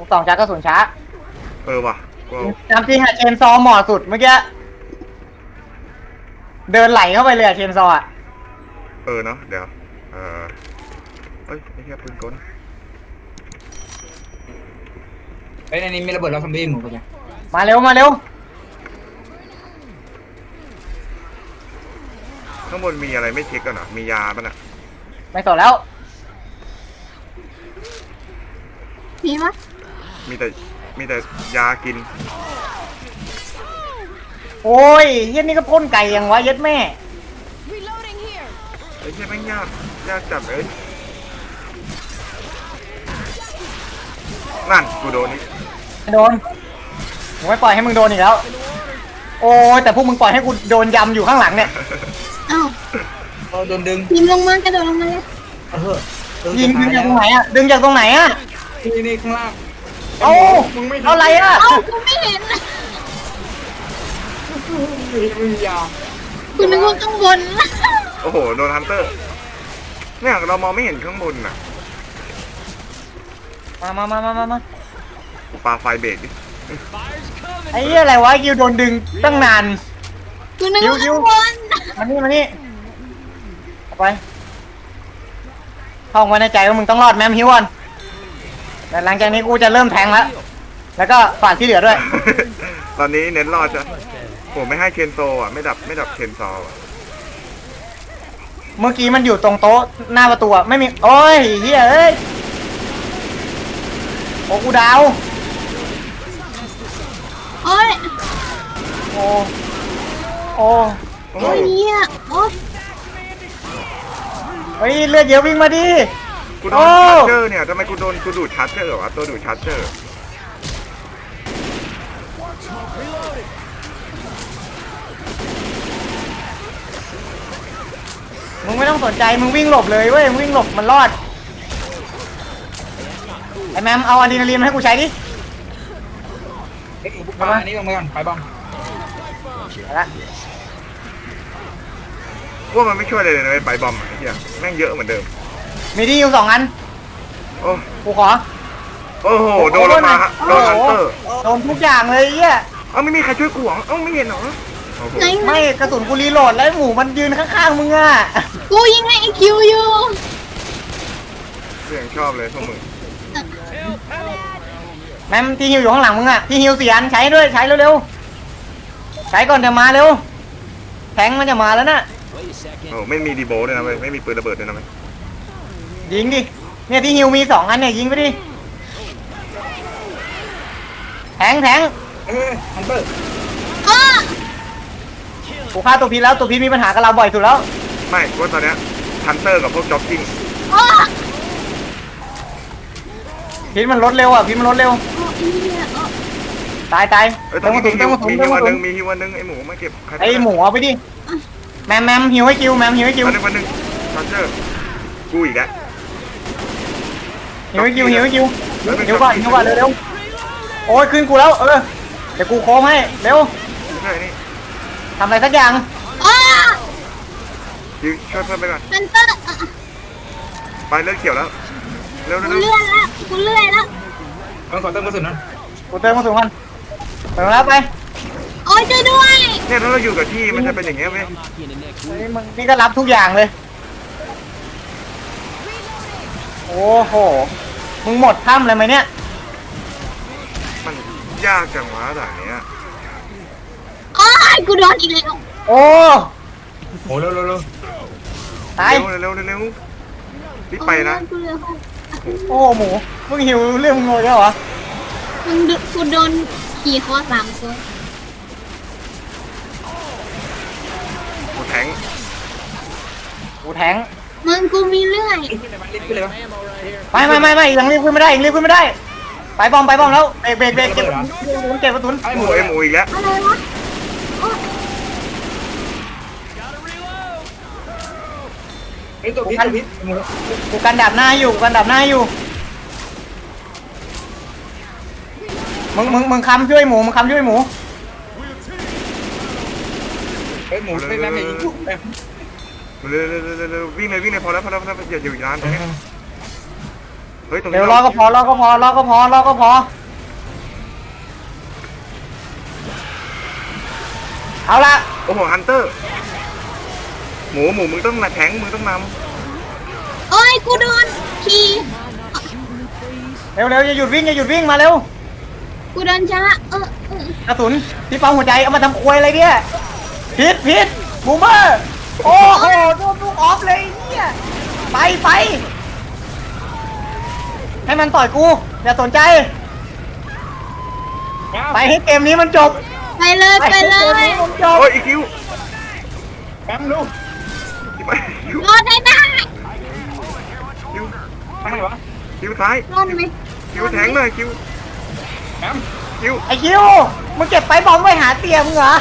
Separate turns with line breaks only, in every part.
ก2ชักกระสุนช้า
ว่ะ
จำจริงอะเชนซอเหมาะสุดเมื่อกี้เดินไหลเข้าไปเลยอะเชนซออะ
เนาะเดี๋ยวเฮ้ยไอ้เหี้ยปืนกล
ในนี้มีระเบิดแล้วซอมบี้หมูไปจ้ะ
มาเร็วมาเร็ว
ข้างบนมีอะไรไม่เช็คกันเหรอมียาป่ะน่ะ
ไม่ต่อแล้ว
มีมั้ย
มีแต่ยากิน
โอ้ยเย็ดนี่ก็พ่นไก่ยังวะเย็ดแม่
ไอ้เหี้ยแม่งยากจัดเลยนั่นกูโดนนี่
โดนผมไม่ปล่อยให้มึงโดนอีกแล้วโอ้ยแต่พวกมึงปล่อยให้กูโดนยำอยู่ข้างหลังเนี่ย
อ้าว
โดนดึง
ยิงลงมากระโดดลงมาเลย
ยิงจากตรงไหนอะดึงจากตรงไหนอะ
นี่ข้างล่าง
เอ้าอะไรอะ
เอ้ากูไม่เห็น
มึงยาว
กูนึกว่าข้างบน
โอ้โหโดนฮันเตอร์เนี่ยเรามองไม่เห็นข้างบนน่ะ
มา
ปาไฟเบรกดิ
ไอ้เหี้ยอะไรวะยิวโดนดึงตั้งนาน
กูนึกว่าข้างบน
มานี่ไปท่องไว้ในใจว่ามึงต้องรอดแมมฮิวอนแต่หลังจากนี้กูจะเริ่มแทงแล้วก็ฝากที่เหลือด้วย
ตอนนี้เน้นรอดจ้ะผมไม่ให้เคนโซอ่ะไม่ดับเคนโซอ่ะ
เมื่อกี้มันอยู่ตรงโต๊ะหน้าประตูไม่มีโอ้ยเฮียเอ้ยโอ้กูดาว
โอ้ย
โอ้
โอ้ยเนี่ยโอ้
เฮ้ยเลือดเยอะวิ่งมาดิ
กูโดนชาร์เจอร์เนี่ยทำไมกูดูดชาร์เจอร์วะตัวดูดชาร์เจอร์
มึงไม่ต้องสนใจมึงวิ่งหลบเลยเว้ยมึงวิ่งหลบมันรอดไอ้แมมเอาอะดรีนาลีนมาให้กูใช้ดิ
ปาอันนี้ลงไปก่อนไปบอม
ละ
ว่ามันไม่ช่วยเลยนะไปบอมไอ้เหี้ยแม่งเยอะเหมือนเดิม
มีที่อยู่2 อัน
โอ้
กูขอ
โอ้โหโดนมาฮะโดนฮันเตอร์
โดนทุกอย่างเลยเหี้ย
ไม่มีใครช่วยกูหรอไม่เห็นหรอ
ไม่กระสุนกูรีโหลดแล้วหมูมันยืนข้างๆมึงอ่ะ
กูยิงให้ไอคิวอยู่
เสียงชอบเลยพวกมึง
แมมที่ฮิวอยู่ข้างหลังมึงอ่ะที่ฮิว4 อันใช้ด้วยใช้เร็วๆใช้ก่อนจะมาเร็วแทงมันจะมาแล้วนะ
ไม่มีดีโบด้วยนะไม่มีปืนระเบิดด้วยนะ
ยิงดิเนี่ยที่ฮิวมี2 อันเนี่ยยิงไปดิแทง
ฮันเตอร์
กูฆ่าตัวพีแล้วตัวพีมีปัญหากับเราบ่อยสุดแล้ว
ไม่ว่าตอนเนี้ยฮันเตอร์กับพวกจ็อกกิ้ง
พีมันลดเร็วอ่ะพีมันลดเร็วตาย
ต้องมาถุนมีฮิวันนึงไอหมูมาเก็บ
ไอหมูเอาไปดิแมมฮิวให้คิวแมมฮิวให้คิว
วันนึงชาร์เจอร์กูอีกแล้ว
ฮิวให้คิวฮิวก่อนเร็วโอ้ยขึ้นกูแล้วเดี๋ยวกูโค้งให้เร็วทำอะไรสักอย่าง
ช่วยเพื่อนไปก่อน
ฮันเตอร์
ไปเลือดเขียวแล้วเร็ว
กูเลื่อนแล้ว
ต้องขอเติมกระสุนนะ
กูเติมกระสุนมันเติมแล้วไป
โอ้ยช่วยด้วย
เนี่ยถ้าเราอยู่กับที่มันจะเป็นอย่างเงี้ยไหม
มึงนี่ก็รับทุกอย่างเลยโอ้โหมึงหมดถ้ำเลยไหมเนี่ย
มันยากจังวะด่านเนี้ย
กูโดนอีกแล้ว
โอ้
เร็ว
ตาย
เร็วรีบไปนะ
โอ้หมูมึงหิวเรื่องมึงโง่ใช่เหรอ
กูโดนขี่คอ3 ตัว
กูแทง
มึงกูมีเลื่อย
ไม่ยังรีบขึ้นไม่ได้ไปบอมแล้วเบรกเก็บกระสุน
ไอหมูอีกแล้ว
อะไรวะ
ตัวพิษ
กูกันดับหน้าอยู่มึงค้ำช่วยหมู
หมูไม่แม่ไม่ยิงกู
เร็ววิ่งเลยพอแล้วอย่าอยู่นานตรงนี้ฮ้ยตรงนี้
เดี๋ยวรอก็พอเอาละ
โอ้โหฮันเตอร์หมูมึงต้องมาแทงมึงต้องน
โอ้ยกูโดนขี่
เร็วอย่าหยุดวิ่งมาเร็ว
กูโดนช้าก
ระสุนที่ปั๊มหัวใจเอามาทำควยอะไรเนี่ยพิษบูมเมอร์โอ้โหโดนลูกออฟเลยเนี่ยไปให้มันต่อยกูอย่าสนใจไปให้เกมนี้มันจบ
ไปเลย
ให้เกมนี้มันจ
ำ
บ
โอ้ยอีคิว
แป๊บลูก
คิว
รอดได้ได้
คิว
ทำไมวะ
คิวซ้าย
รอดไหม
คิวแทงเลยคิว
แป๊บ
คิว
ไอคิวมึงเก็บไปบอมไว้หาเตียมึงเหรอ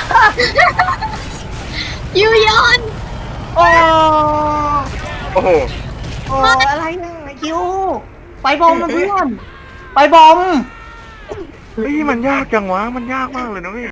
ยูยอน
โอ้
โอ้โห
อะไรเนี่ยไอคิวไปบอมนะเพื่อนไปบอม
เฮ้ยมันยากจังวะมันยากมากเลยนะเว้ย